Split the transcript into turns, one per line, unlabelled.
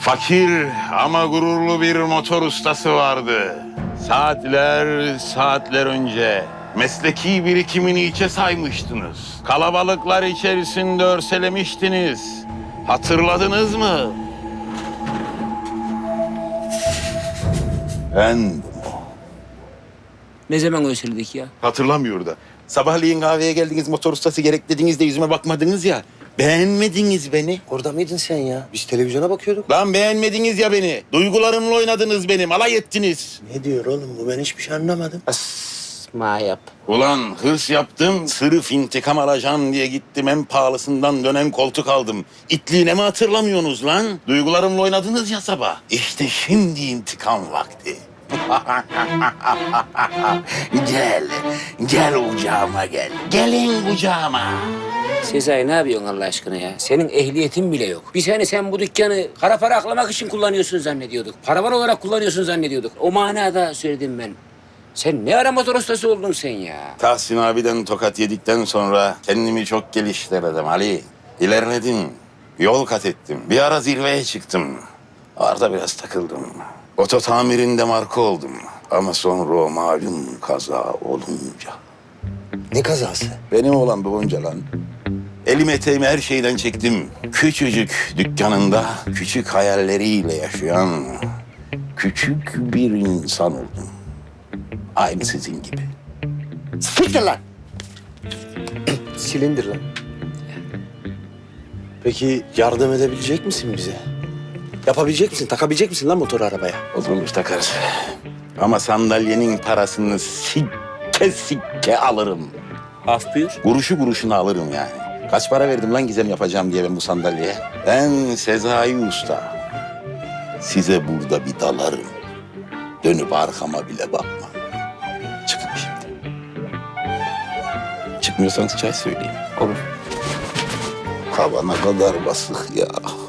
Fakir ama gururlu bir motor ustası vardı. Saatler önce mesleki birikimini içe saymıştınız. Kalabalıklar içerisinde örselemiştiniz. Hatırladınız mı? Ben
Ne zaman özledik ya?
hatırlamıyor da. Sabahleyin kahveye geldiniz, motor ustası gerek dediniz de yüzüme bakmadınız ya. Beğenmediniz beni.
Orada mıydın sen ya? Biz televizyona bakıyorduk.
Lan beğenmediniz ya beni. Duygularımla oynadınız benim, alay ettiniz.
Ne diyor oğlum bu? Ben hiçbir şey anlamadım.
Asma yap.
Ulan hırs yaptım, sırf intikam alacağım diye gittim. En pahalısından dönen koltuk aldım. İtliğine mi hatırlamıyorsunuz lan? Duygularımla oynadınız ya sabah. İşte şimdi intikam vakti. Gel kucağıma gel. Gelin kucağıma.
Sezai ne yapıyorsun Allah aşkına ya? Senin ehliyetin bile yok. Biz hani sen bu dükkanı kara para aklamak için kullanıyorsun zannediyorduk. Paravan olarak kullanıyorsun zannediyorduk. O manada söyledim ben. Sen ne ara motor ustası oldun sen ya?
Tahsin abiden tokat yedikten sonra kendimi çok geliştirdim Ali. İlerledim, yol kat ettim. Bir ara zirveye çıktım. Orada biraz takıldım. Oto tamirinde marka oldum. Ama sonra o malum kaza olunca.
Ne kazası?
Benim olan babamca lan. Elim eteğimi her şeyden çektim. Küçücük dükkanında küçük hayalleriyle yaşayan küçük bir insan oldum. Aynı sizin gibi. Siktir lan!
Silindir lan. Peki yardım edebilecek misin bize? Yapabilecek misin? Takabilecek misin lan motoru arabaya?
Olur takarız. Ama sandalyenin parasını sikke alırım.
Af buyur.
Kuruşu kuruşuna alırım yani. Kaç para verdim lan gizem yapacağım diye ben bu sandalyeye? Ben Sezai Usta. Size burada bir dalarım. Dönüp arkama bile bakma. Çıkın şimdi. Çıkmıyorsanız çay söyleyeyim.
Olur.
Hava ne kadar basık ya.